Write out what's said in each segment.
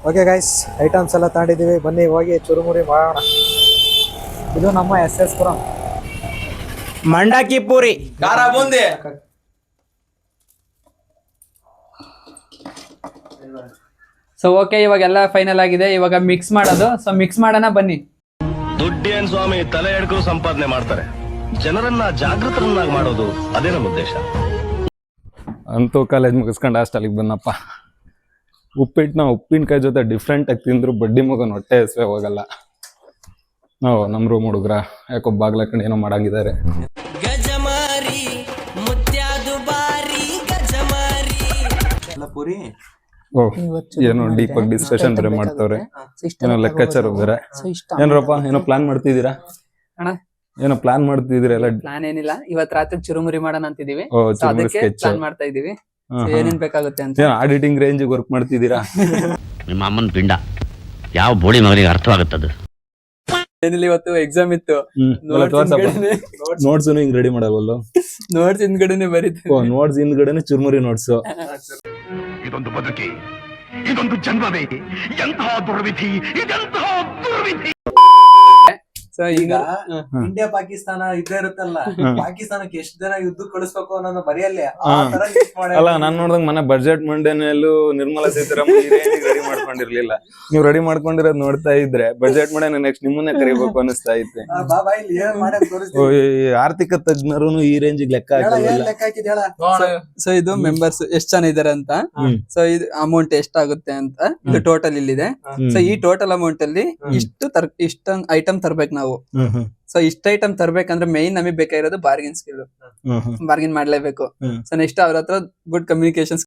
Okay guys, items ಎಲ್ಲ ತಗೊಂಡಿದ್ದೀವಿ, ಬನ್ನಿ ಹೋಗಿ ಚುರುಮುರಿ ಮಾಡೋಣ. ಇದು ನಮ್ಮ SS ಪುರಂ ಮಂಡಕ್ಕಿ ಪೂರಿ, ಖಾರ ಬೂಂದಿ. ಸೊ ಓಕೆ, ಇವಾಗೆಲ್ಲ ಫೈನಲ್ ಆಗಿದೆ. ಇವಾಗ ಮಿಕ್ಸ್ ಮಾಡೋದು. ಸೊ ಮಿಕ್ಸ್ ಮಾಡೋಣ ಬನ್ನಿ. ದುಡ್ಡೇನ್ ಸ್ವಾಮಿ ತಲೆ ಎಡ್ಕರು ಸಂಪಾದನೆ ಮಾಡ್ತಾರೆ, ಜನರನ್ನ ಜಾಗೃತರನ್ನಾಗಿ ಮಾಡೋದು ಅದೇ ನಮ್ಮ ಉದ್ದೇಶ. ಅಂತೂ ಕಾಲೇಜ್ ಮುಗಿಸ್ಕೊಂಡು ಹಾಸ್ಟೆಲಿಗೆ ಬಂದಪ್ಪ. ಉಪ್ಪಿಟ್ಟನ್ನ ಉಪ್ಪಿನಕಾಯಿ ಜೊತೆ ಡಿಫ್ರೆಂಟ್ ಆಗಿ ತಿಂದ್ರು ಬಡ್ಡಿ ಮಗನ ಹೊಟ್ಟೆ ಹಸಿವೆ ಹೋಗಲ್ಲ. ನಾವು ನಮ್ಮ ರೂಮ್ ಹುಡುಗ್ರ ಯಾಕೋ ಬಾಗ್ಲಾಕೊಂಡು ಏನೋ ಮಾಡಂಗಿದ್ದಾರೆ. ಓ, ಏನೋ ಡೀಪ್ ಆಗಿ ಡಿಸ್ಕಷನ್ ಬೇರೆ ಮಾಡ್ತವ್ರೆ, ಏನೋ ಲೆಕ್ಕಾಚಾರ ಬೇರೆ. ಏನ್ರಪ್ಪ ಏನೋ ಪ್ಲಾನ್ ಮಾಡ್ತಿದ್ದೀರಾ? ಏನೋ ಪ್ಲಾನ್ ಮಾಡ್ತಿದ್ದೀರಾ? ಎಲ್ಲ ಪ್ಲಾನ್ ಏನಿಲ್ಲ, ಇವತ್ ರಾತ್ರಿ ಚುರುಮುರಿ ಮಾಡೋಣ ಅಂತಿದೀವಿ. ಪ್ಲಾನ್ ಮಾಡ್ತಾ ಇದೀವಿ, ಏನೇನ್ ಬೇಕಾಗುತ್ತೆ ಅಂತ. ಆಡಿಟಿಂಗ್ ರೇಂಜ್ ವರ್ಕ್ ಮಾಡ್ತಿದ್ದೀರಾ? ನಿಮ್ಮ ಅಮ್ಮನ ಪಿಂಡ ಯಾವ ಬೋಳಿ ಮಗನಿಗೆ ಅರ್ಥವಾಗುತ್ತದು. ಏನಿಲ್ಲ, ಇವತ್ತು ಎಕ್ಸಾಮ್ ಇತ್ತು. ನೋಟ್ಸ್ ಹಿಂಗ್ ರೆಡಿ ಮಾಡಬಲ್ಲ. ನೋಟ್ಸ್ ಹಿಂದ್ಗಡೆನೆ ಬರೀತೀವಿ. ನೋಟ್ಸ್ ಹಿಂದ್ಗಡೆನೆ ಚುರುಮುರಿ ನೋಟ್ಸ್. ಇದೊಂದು ಬದುಕಿ, ಇದೊಂದು ಜನ್ಮವೇ, ಎಂತಹ ದುರ್ವಿಧಿ, ಇದೆಂತಹ ದುರ್ವಿಧಿ. ಸೊ ಈಗ ಇಂಡಿಯಾ ಪಾಕಿಸ್ತಾನ ಯುದ್ಧ ಇರುತ್ತಲ್ಲ, ಪಾಕಿಸ್ತಾನಕ್ಕೆ ಎಷ್ಟು ಜನ ಯುದ್ಧ ಕಳಿಸ್ಬೇಕು ಅನ್ನೋದು ಬರೆಯಲ್ಲೇ. ಅಲ್ಲ, ನಾನ್ ನೋಡ್ದಂಗ್ ಮನೆ ಬಜೆಟ್ ಮಂಡನೆಯಲ್ಲೂ ನಿರ್ಮಲಾ ಸೀತಾರಾಮನ್ ರೆಡಿ ಮಾಡ್ಕೊಂಡಿರ್ಲಿಲ್ಲ. ನೀವ್ ರೆಡಿ ಮಾಡ್ಕೊಂಡಿರೋದ್ ನೋಡ್ತಾ ಇದ್ರೆ ಬಜೆಟ್ ಮಂಡನೆ ನೆಕ್ಸ್ಟ್ ನಿಮ್ಮನ್ನೇ ಕರಿಬೇಕು ಅನಿಸ್ತಾ ಐತೆ. ಆರ್ಥಿಕ ತಜ್ಞರು ಈ ರೇಂಜ್ ಲೆಕ್ಕ ಹಾಕಿಲ್ಲ. ಸೊ ಇದು ಮೆಂಬರ್ಸ್ ಎಷ್ಟ್ ಜನ ಇದಾರೆ ಅಂತ, ಸೊ ಇದು ಅಮೌಂಟ್ ಎಷ್ಟಾಗುತ್ತೆ ಅಂತ ಇದು ಟೋಟಲ್ ಇಲ್ಲಿದೆ. ಸೊ ಈ ಟೋಟಲ್ ಅಮೌಂಟ್ ಅಲ್ಲಿ ಇಷ್ಟೊಂದು ಐಟಮ್ ತರ್ಬೇಕು ನಾವು. ಸೊ ಇಷ್ಟ ಐಟಮ್ ತರ್ಬೇಕಂದ್ರೆ ಮೇನ್ ನಮಗೆ ಬೇಕಾಗಿರೋದು ಬಾರ್ಗಿನ್ ಸ್ಕಿಲ್. ಬಾರ್ಗಿನ್ ಮಾಡ್ಲೇಬೇಕು. ಸೊ ನೆಕ್ಸ್ಟ್ ಅವ್ರ ಹತ್ರ ಗುಡ್ ಕಮ್ಯುನಿಕೇಶನ್.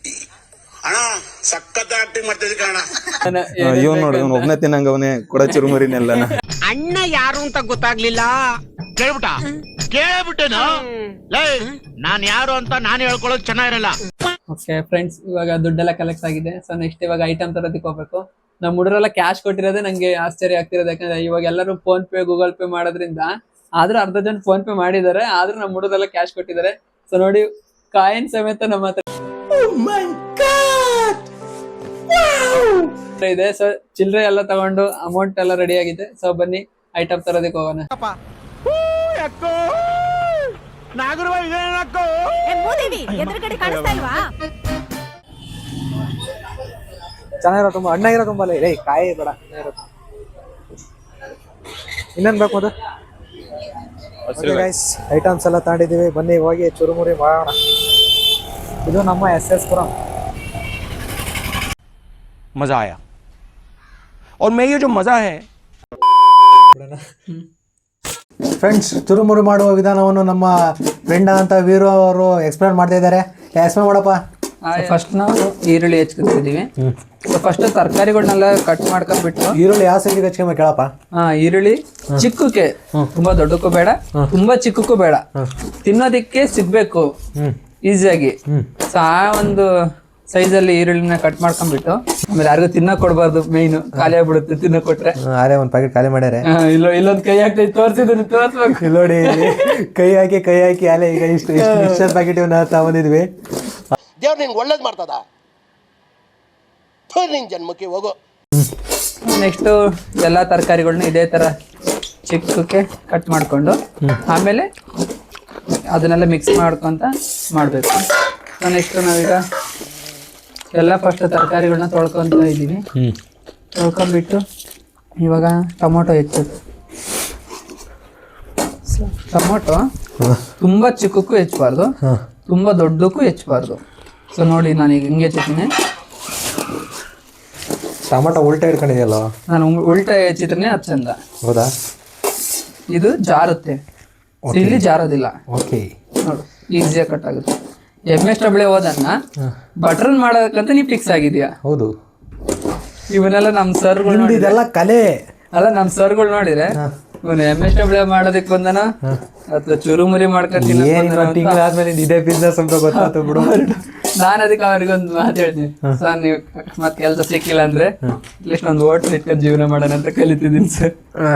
ಇವನ್ ನೋಡಿ, ಇವನ್ ಒಬ್ನೇ ತಿನ್ನಂಗ ಅವನೇ ಕೊಡ ಚುರುಮುರಿನೆಲ್ಲ. ಅಣ್ಣ ಯಾರು ಅಂತ ಗೊತ್ತಾಗ್ಲಿಲ್ಲ. ಕೇಳ್ಬಿಟ್ಟೇನು? ನಾನ್ ಯಾರು ಅಂತ ನಾನು ಹೇಳ್ಕೊಳ್ಳೋದು ಚೆನ್ನಾಗಿರಲ್ಲ. ಓಕೆ ಫ್ರೆಂಡ್ಸ್, ಇವಾಗ ದುಡ್ಡೆಲ್ಲ ಕಲೆಕ್ಟ್ ಆಗಿದೆ. ಸೊ ನೆಕ್ಸ್ಟ್ ಇವಾಗ ಐಟಮ್ ತರೋದಕ್ಕೆ ಹೋಗ್ಬೇಕು. ನಮ್ ಹುಡುಗರೆಲ್ಲ ಕ್ಯಾಶ್ ಕೊಟ್ಟಿರೋದೇ ನಂಗೆ ಆಶ್ಚರ್ಯ ಆಗ್ತಿರೋದು. ಯಾಕಂದ್ರೆ ಇವಾಗ ಎಲ್ಲರೂ ಫೋನ್ ಪೇ ಗೂಗಲ್ ಪೇ ಮಾಡೋದ್ರಿಂದ, ಆದ್ರೂ ಅರ್ಧ ಜನ ಫೋನ್ ಪೇ ಮಾಡಿದ್ದಾರೆ, ಆದ್ರೂ ನಮ್ ಹುಡುಗರೆಲ್ಲ ಕ್ಯಾಶ್ ಕೊಟ್ಟಿದ್ದಾರೆ. ಸೊ ನೋಡಿ, ಕಾಯಿನ್ ಸಮೇತ ನಮ್ಮ ಹತ್ರ ಇದೆ. ಸೊ ಚಿಲ್ಲರೆ ಎಲ್ಲ ತಗೊಂಡು ಅಮೌಂಟ್ ಎಲ್ಲ ರೆಡಿ ಆಗಿದೆ. ಸೊ ಬನ್ನಿ ಐಟಮ್ ತರೋದಕ್ಕೆ ಹೋಗೋಣ. ಚೆನ್ನಾಗಿರೋ ತುಂಬ ಹಣ್ಣಾಗಿರೋ ತುಂಬಾ ಇಲ್ಲ. ಕಾಯಿ ಬೇಡ, ಇನ್ನೇನ್ ಬೇಕು ಅದು. ಗೈಸ್, ಐಟಮ್ಸ್ ಎಲ್ಲ ತಗೊಂಡಿದ್ದೀವಿ, ಬನ್ನಿ ಹೋಗಿ ಚುರುಮುರಿ ಮಾಡೋಣ. ಇದು ನಮ್ಮ SS ಪುರಂ. मजा आया और मैं ये जो मजा है. ಫ್ರೆಂಡ್ಸ್, ಚುರುಮುರಿ ಮಾಡುವ ವಿಧಾನವನ್ನು ನಮ್ಮ ಫ್ರೆಂಡ್ ಅಂತ ವೀರು ಅವರು ಎಕ್ಸ್ಪ್ಲೇನ್ ಮಾಡ್ತಾ ಇದ್ದಾರೆ. ಎಕ್ಸ್ಪ್ಲೇನ್ ಮಾಡಪ್ಪ. ಫಸ್ಟ್ ನಾವು ಈರುಳ್ಳಿ ಹೆಚ್ಕೊತಿದೀವಿ. ಫಸ್ಟ್ ತರಕಾರಿಗಳನ್ನೆಲ್ಲ ಕಟ್ ಮಾಡ್ಕೊಂಡ್ಬಿಟ್ಟು. ಈರುಳ್ಳಿ ಯಾವ ಸೈಜಿಗೆ ಹಚ್ಕೊಂಬೇಕು ಕೇಳಪ್ಪ? ಈರುಳ್ಳಿ ಚಿಕ್ಕಕ್ಕೆ, ತುಂಬಾ ದೊಡ್ಡಕ್ಕೂ ಬೇಡ, ತುಂಬಾ ಚಿಕ್ಕಕ್ಕೂ ಬೇಡ, ತಿನ್ನೋದಿಕ್ಕೆ ಸಿಗ್ಬೇಕು ಈಸಿಯಾಗಿ. ಸೊ ಆ ಒಂದು ಸೈಜ್ ಅಲ್ಲಿ ಈರುಳ್ಳಿನ ಕಟ್ ಮಾಡ್ಕೊಂಡ್ಬಿಟ್ಟು, ಆಮೇಲೆ ಯಾರಿಗೂ ತಿನ್ನಕ್ ಕೊಡ್ಬಾರ್ದು. ಮೇಯ್ನು ಖಾಲಿ ಆಗ್ಬಿಡುತ್ತೆ ತಿನ್ನಕ್ ಕೊಟ್ರೆ. ಅದೇ ಒಂದ್ ಪ್ಯಾಕೆಟ್ ಖಾಲಿ ಮಾಡ್ಯಾರೆ. ಇಲ್ಲೊಂದ್ ಕೈ ಹಾಕಿ ತೋರ್ಸಿದ್ದೀನಿ, ತೋರ್ಸ್ಬೇಕು. ನೋಡಿ, ಕೈ ಹಾಕಿ ಅಲ್ಲೇ ಈಗ ಇಷ್ಟು ಮಿಕ್ಸರ್ ಪ್ಯಾಕೆಟ್ ತಗೊಂಡಿದ್ವಿ. ದೇವ್ರು ನಿಂಗೆ ಒಳ್ಳೇದು ಮಾಡ್ತದ, ನಿನ್ ಜನ್ಮಕ್ಕೆ ಹೋಗೋ. ನೆಕ್ಸ್ಟ್ ಎಲ್ಲಾ ತರಕಾರಿಗಳನ್ನ ಇದೇ ತರ ಚಿಕ್ಕಕ್ಕೆ ಕಟ್ ಮಾಡ್ಕೊಂಡು, ಆಮೇಲೆ ಅದನ್ನೆಲ್ಲ ಮಿಕ್ಸ್ ಮಾಡ್ಕೊಂತ ಮಾಡ್ಬೇಕು. ನೆಕ್ಸ್ಟ್ ನಾವೀಗ ಎಲ್ಲ ಫಸ್ಟ್ ತರಕಾರಿಗಳನ್ನ ತೊಳ್ಕೊಂತ ಇದ್ದೀವಿ. ತೊಳ್ಕೊಂಡ್ಬಿಟ್ಟು ಇವಾಗ ಟೊಮೊಟೊ ಹೆಚ್ಚೋದು. ಟೊಮೊಟೊ ತುಂಬಾ ಚಿಕ್ಕಕ್ಕೂ ಹೆಚ್ಚಬಾರ್ದು, ತುಂಬಾ ದೊಡ್ಡಕ್ಕೂ ಹೆಚ್ಚಬಾರ್ದು. ಸೊ ನೋಡಿ, ನಾನೀಗ ಹಿಂಗೆ ಹೆಚ್ಚಿದ್ದೀನಿ. ಟೊಮೊಟೊ ಉಲ್ಟಾ ಇಟ್ಕೊಂಡಿದೆಯಲ್ಲ, ನಾನು ಉಲ್ಟಾ ಹೆಚ್ಚಿದ್ರೆ ಅದು ಚಂದ. ಹೌದಾ? ಇದು ಜಾರುತ್ತೆ, ಇಲ್ಲಿ ಜಾರೋದಿಲ್ಲ. ಓಕೆ, ನೋಡು ಈಸಿಯಾಗಿ ಕಟ್ ಆಗುತ್ತೆ. MSW ಓದನ್ನ ಬಟರ್ ಮಾಡೋದಕ್ಕಂತ ನೀವು ಫಿಕ್ಸ್ ಆಗಿದ್ಯಾ? ಹೌದು. ಇವನ್ನೆಲ್ಲ ನಮ್ ಸರ್ಗಳು, ಇದೆಲ್ಲ ಕಲೆ ಅಲ್ಲ, ನಮ್ ಸರ್ಗಳು ನೋಡಿದ್ರೆ ಇವನು MSW ಮಾಡೋದಕ್ಕೆ ಬಂದನ ಅಥವಾ ಚುರುಮುರಿ ಮಾಡ್ಕೊಂತೀನಿ. ತಿಂಗಳಾದ್ಮೇಲೆ ಇದೇ ಬಿಸ್ನೆಸ್ ಅಂತ ಗೊತ್ತಾಯ್ತು ಬಿಡು. ನಾನು ಅದಕ್ಕೆ ಅವ್ರಿಗೊಂದು ಮಾತು ಹೇಳ್ತೀನಿ, ಸರ್ ನೀವು ಮತ್ತೆ ಕೆಲಸ ಸಿಕ್ಕಿಲ್ಲ ಅಂದ್ರೆ ಅಟ್ಲೀಸ್ಟ್ ಒಂದು ಹೋಟ್ಲ್ ಇಟ್ಕೊಂಡು ಜೀವನ ಮಾಡೋಣ ಅಂತ ಕಲಿತಿದ್ದೀನಿ ಸರ್.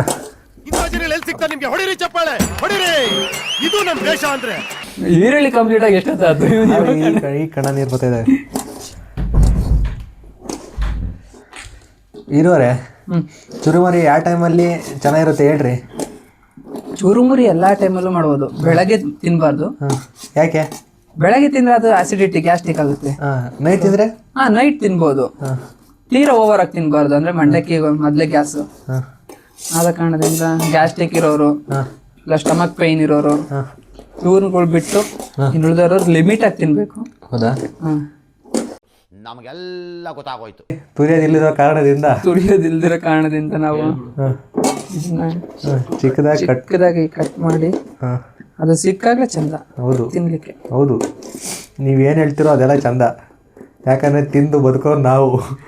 ಈರುಳ್ಳಿ ಕಂಪ್ಲೀಟ್ ಆಗಿ ಎಷ್ಟೊತ್ತಾಯ್ತು? ಈ ಕಣ ನೀರು ಬರ್ತಾ ಇದೆ. ಇರೋರೆ ಚುರುಮುರಿ ಯಾವ ಟೈಮಲ್ಲಿ ಚೆನ್ನಾಗಿರುತ್ತೆ ಹೇಳ್ರಿ. ಚೂರುಮುರಿ ಎಲ್ಲಾ ಟೈಮಲ್ಲೂ ಮಾಡ್ಬೋದು. ಬೆಳಗ್ಗೆ ತಿನ್ಬಾರ್ದು. ಯಾಕೆ? ಬೆಳಗ್ಗೆ ತಿಂದ್ರೆ ಅದು ಆಸಿಡಿಟಿ ಗ್ಯಾಸ್ಟ್ರಿಕ್ ಆಗುತ್ತೆ. ನೈಟ್ ತಿಂದ್ರೆ ನೈಟ್ ತಿನ್ಬೋದು. ತೀರಾ ಓವರ್ ಆಗಿ ತಿನ್ಬಾರ್ದು, ಅಂದ್ರೆ ಮಂಡಕ್ಕಿ ಮೊದ್ಲೇ ಗ್ಯಾಸ್. ಆದ ಕಾರಣದಿಂದ ಗ್ಯಾಸ್ಟ್ರಿಕ್ ಇರೋರು ಇಲ್ಲ ಸ್ಟಮಕ್ ಪೈನ್ ಇರೋರು ಇವ್ರುಗಳು ಬಿಟ್ಟು ಇನ್ನುಳಿದವರು ಲಿಮಿಟ್ ಆಗಿ ತಿನ್ಬೇಕು. ಹೌದಾ? ನಮಗೆಲ್ಲ ಗೊತ್ತಾಗೋಯ್ತು. ತುಳಿಯೋದಿಲ್ದಿರೋ ಕಾರಣದಿಂದ ನಾವು ಚಿಕ್ಕದಾಗಿ ಕಟ್ ಮಾಡಿ ಅದು ಸಿಕ್ಕಾಗ್ಲೇ ಚಂದ. ಹೌದು ತಿನ್ಲಿಕ್ಕೆ. ಹೌದು, ನೀವೇನು ಹೇಳ್ತಿರೋ ಅದೆಲ್ಲ ಚಂದ. ಯಾಕಂದ್ರೆ ತಿಂದು ಬದುಕೋರು ನಾವು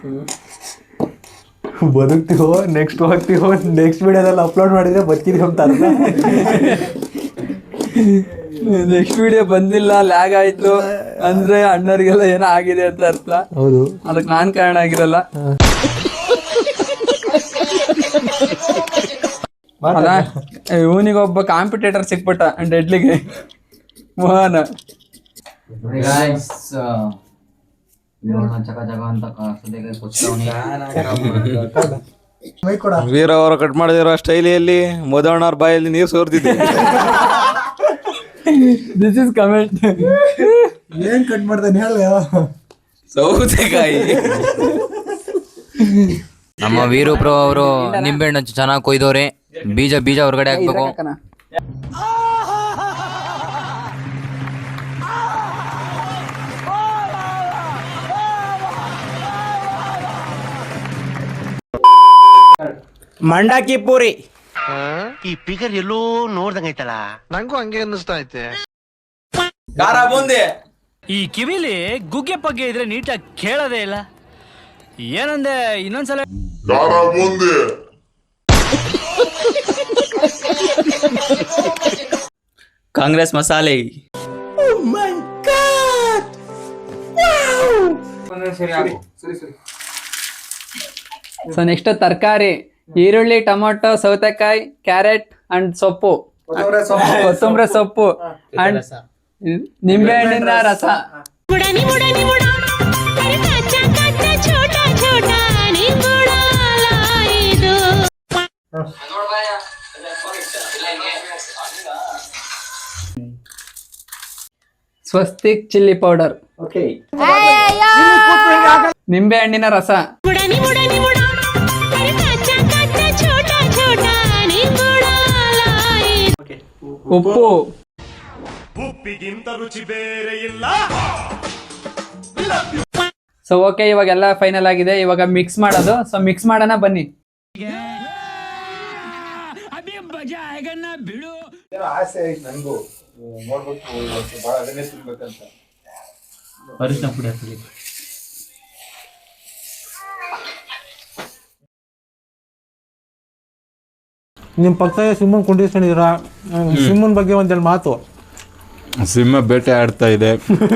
ಬದುಕ್ತೀವೋ ನೆಕ್ಸ್ಟ್ ಹೋಗ್ತೀವೋ ನೆಕ್ಸ್ಟ್ ವಿಡಿಯೋದಲ್ಲಿ ಅಪ್ಲೋಡ್ ಮಾಡಿದ್ರೆ ಬದುಕಿದೀವಿ ಅಂತ ಅರ್ಥ. ನೆಕ್ಸ್ಟ್ ವಿಡಿಯೋ ಬಂದಿಲ್ಲ, ಲ್ಯಾಗ್ ಆಯ್ತು ಅಂದ್ರೆ ಅಣ್ಣರಿಗೆಲ್ಲ ಏನೋ ಆಗಿದೆ ಅಂತ ಅರ್ಥ. ಹೌದು, ಅದಕ್ಕೆ ನಾನ್ ಕಾರಣ ಆಗಿರಲ್ಲ. ಇವನಿಗೊಬ್ಬ ಕಾಂಪಿಟೇಟರ್ ಸಿಕ್ಬಿಟ್ಟ ಡೆಡ್ಲಿಗೆ, ಮೋಹನ. ವೀರ ಅವರು ಕಟ್ ಮಾಡಿದಿರೋ ಸ್ಟೈಲಿಯಲ್ಲಿ ಮೋದಣ್ಣವ್ರ ಬಾಯಲ್ಲಿ ನೀರು ಸೋರ್ತಿದ್ದೆ. This is comment. ಏನ್ ಕಟ್ ಮಾಡ್ತಾನೆ ಹೇಳ. ಸೌತೆಕಾಯಿ. ನಮ್ಮ ವೀರಪ್ರೋ ಅವರು ನಿಂಬೆಹಣ್ಣು ಚೆನ್ನಾಗಿ ಕೊಯ್ದವ್ರೆ. ಬೀಜ ಹೊರಗಡೆ ಹಾಕ್ಬೇಕು. ಮಂಡಕ್ಕಿ ಪೂರಿ. ಈ ಫಿಗರ್ ಎಲ್ಲೋ ನೋಡ್ದಂಗೈತಲ್ಲ. ನಂಗೂ ಹಂಗೆ ಅನ್ನಿಸ್ತಾ ಐತೆ. ಖಾರ ಬೂಂದಿ. ಈ ಕಿವಿಲಿ ಗುಗ್ಗೆ ಪಗ್ಗೆ ಇದ್ರೆ ನೀಟಾಗಿ ಕೇಳೋದೇ ಇಲ್ಲ. ಏನಂದೆ ಇನ್ನೊಂದ್ಸಲ? ಕಾಂಗ್ರೆಸ್ ಮಸಾಲೆ. ಸೊ ನೆಕ್ಸ್ಟ್ ತರಕಾರಿ: ಈರುಳ್ಳಿ, ಟೊಮೊಟೊ, ಸೌತೆಕಾಯಿ, ಕ್ಯಾರೆಟ್ ಅಂಡ್ ಸೊಪ್ಪು, ಕೊತ್ತಂಬರಿ ಸೊಪ್ಪು ಅಂಡ್ ನಿಂಬೆ ಹಣ್ಣಿನ ರಸ. ಸ್ವಸ್ತಿಕ್ ಚಿಲ್ಲಿ ಪೌಡರ್, ನಿಂಬೆ ಹಣ್ಣಿನ ರಸ, ಉಪ್ಪು. ಉಪ್ಪಿಗಿಂತ ರುಚಿ ಬೇರೆ ಇಲ್ಲ. ಸೊ ಓಕೆ, ಇವಾಗೆಲ್ಲ ಫೈನಲ್ ಆಗಿದೆ. ಇವಾಗ ಮಿಕ್ಸ್ ಮಾಡೋದು. ಸೊ ಮಿಕ್ಸ್ ಮಾಡೋಣ ಬನ್ನಿ. ಆಸೆ ಐತೆ ನನಗೂ ನೋಡ್ಬೇಕು, ಭಾಳ ಅದನ್ನೇ ತಿನ್ಬೇಕಂತ. ಅರಿಶಿನ ಪುಡಿ ಹಾಕಿ. ನಿಮ್ಮ ಪಕ್ಕದಾಗ ಸಿಂಹನ್ ಕುಂಡಿಸ್ಕೊಂಡಿದ್ದೀರಾ, ಸಿಂಹನ್ ಬಗ್ಗೆ ಒಂದೆರಡು ಮಾತು. ಸಿಂಹ ಬೇಟೆ ಆಡ್ತಾ ಇದೆ.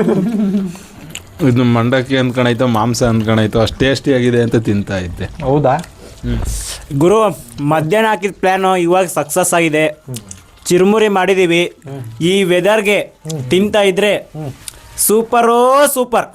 ಇದು ಮಂಡಕ್ಕಿ ಅಂದ್ಕೊಂಡಾಯ್ತು, ಮಾಂಸ ಅಂದ್ಕೊಂಡಾಯ್ತು, ಅಷ್ಟು ಟೇಸ್ಟಿ ಆಗಿದೆ ಅಂತ ತಿಂತಾ ಇದ್ದೆ. ಹೌದಾ ಗುರು, ಮಧ್ಯಾಹ್ನ ಹಾಕಿದ ಪ್ಲ್ಯಾನು ಇವಾಗ ಸಕ್ಸಸ್ ಆಗಿದೆ. ಚಿರುಮುರಿ ಮಾಡಿದ್ದೀವಿ. ಈ ವೆದರ್ಗೆ ತಿಂತಾ ಇದ್ರೆ ಸೂಪರೋ ಸೂಪರ್.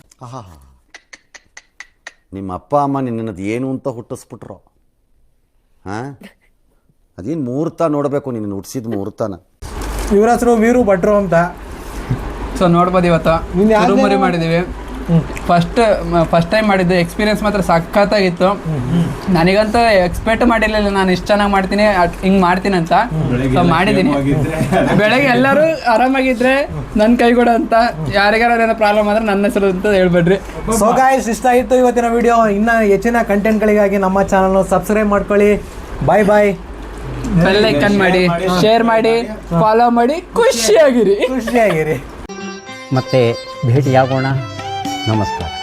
ನಿಮ್ಮ ಅಪ್ಪ ಅಮ್ಮ ನಿನ್ನದು ಏನು ಅಂತ ಹುಟ್ಟಿಸ್ಬಿಟ್ರು. ಹಾಂ, ಅದೇನು ಮುಹೂರ್ತ ನೋಡಬೇಕು, ನಿನ್ನ ಹುಟ್ಟಿಸಿದ ಮುಹೂರ್ತನ. ಇವ್ರ ಹೆಸರು ವೀರು ಭಟ್ರು ಅಂತ. ಸೊ ನೋಡ್ಬೋದು, ಇವತ್ತು ಚುರುಮುರಿ ಮಾಡಿದ್ದೀವಿ. ಫಸ್ಟ್ ಟೈಮ್ ಮಾಡಿದ್ದು. ಎಕ್ಸ್ಪೀರಿಯನ್ಸ್ ಮಾತ್ರ ಸಖತ್ತಾಗಿತ್ತು. ನನಗಂತೂ ಎಕ್ಸ್ಪೆಕ್ಟ್ ಮಾಡಿರಲಿಲ್ಲ ನಾನು ಇಷ್ಟು ಚೆನ್ನಾಗಿ ಮಾಡ್ತೀನಿ, ಹಿಂಗೆ ಮಾಡ್ತೀನಿ ಅಂತ. ಸೊ ಮಾಡಿದ್ದೀನಿ. ಬೆಳಗ್ಗೆ ಎಲ್ಲರೂ ಆರಾಮಾಗಿದ್ರೆ ನನ್ನ ಕೈಗೂಡ ಅಂತ. ಯಾರಿಗಾರ ಏನೋ ಪ್ರಾಬ್ಲಮ್ ಆದ್ರೆ ನನ್ನ ಹೆಸರು ಅಂತ ಹೇಳ್ಬೇಡ್ರಿ. ಸೊ ಗಾಯ್ಸ್, ಇಷ್ಟ ಆಯಿತು ಇವತ್ತಿನ ವಿಡಿಯೋ. ಇನ್ನು ಹೆಚ್ಚಿನ ಕಂಟೆಂಟ್ಗಳಿಗಾಗಿ ನಮ್ಮ ಚಾನಲ್ನ ಸಬ್ಸ್ಕ್ರೈಬ್ ಮಾಡ್ಕೊಳ್ಳಿ. ಬಾಯ್. ಬೆಲ್ ಐಕಾನ್ ಮಾಡಿ, ಶೇರ್ ಮಾಡಿ, ಫಾಲೋ ಮಾಡಿ. ಖುಷಿಯಾಗಿರಿ. ಖುಷಿಯಾಗಿರಿ. ಮತ್ತೆ ಭೇಟಿಯಾಗೋಣ. ನಮಸ್ಕಾರ.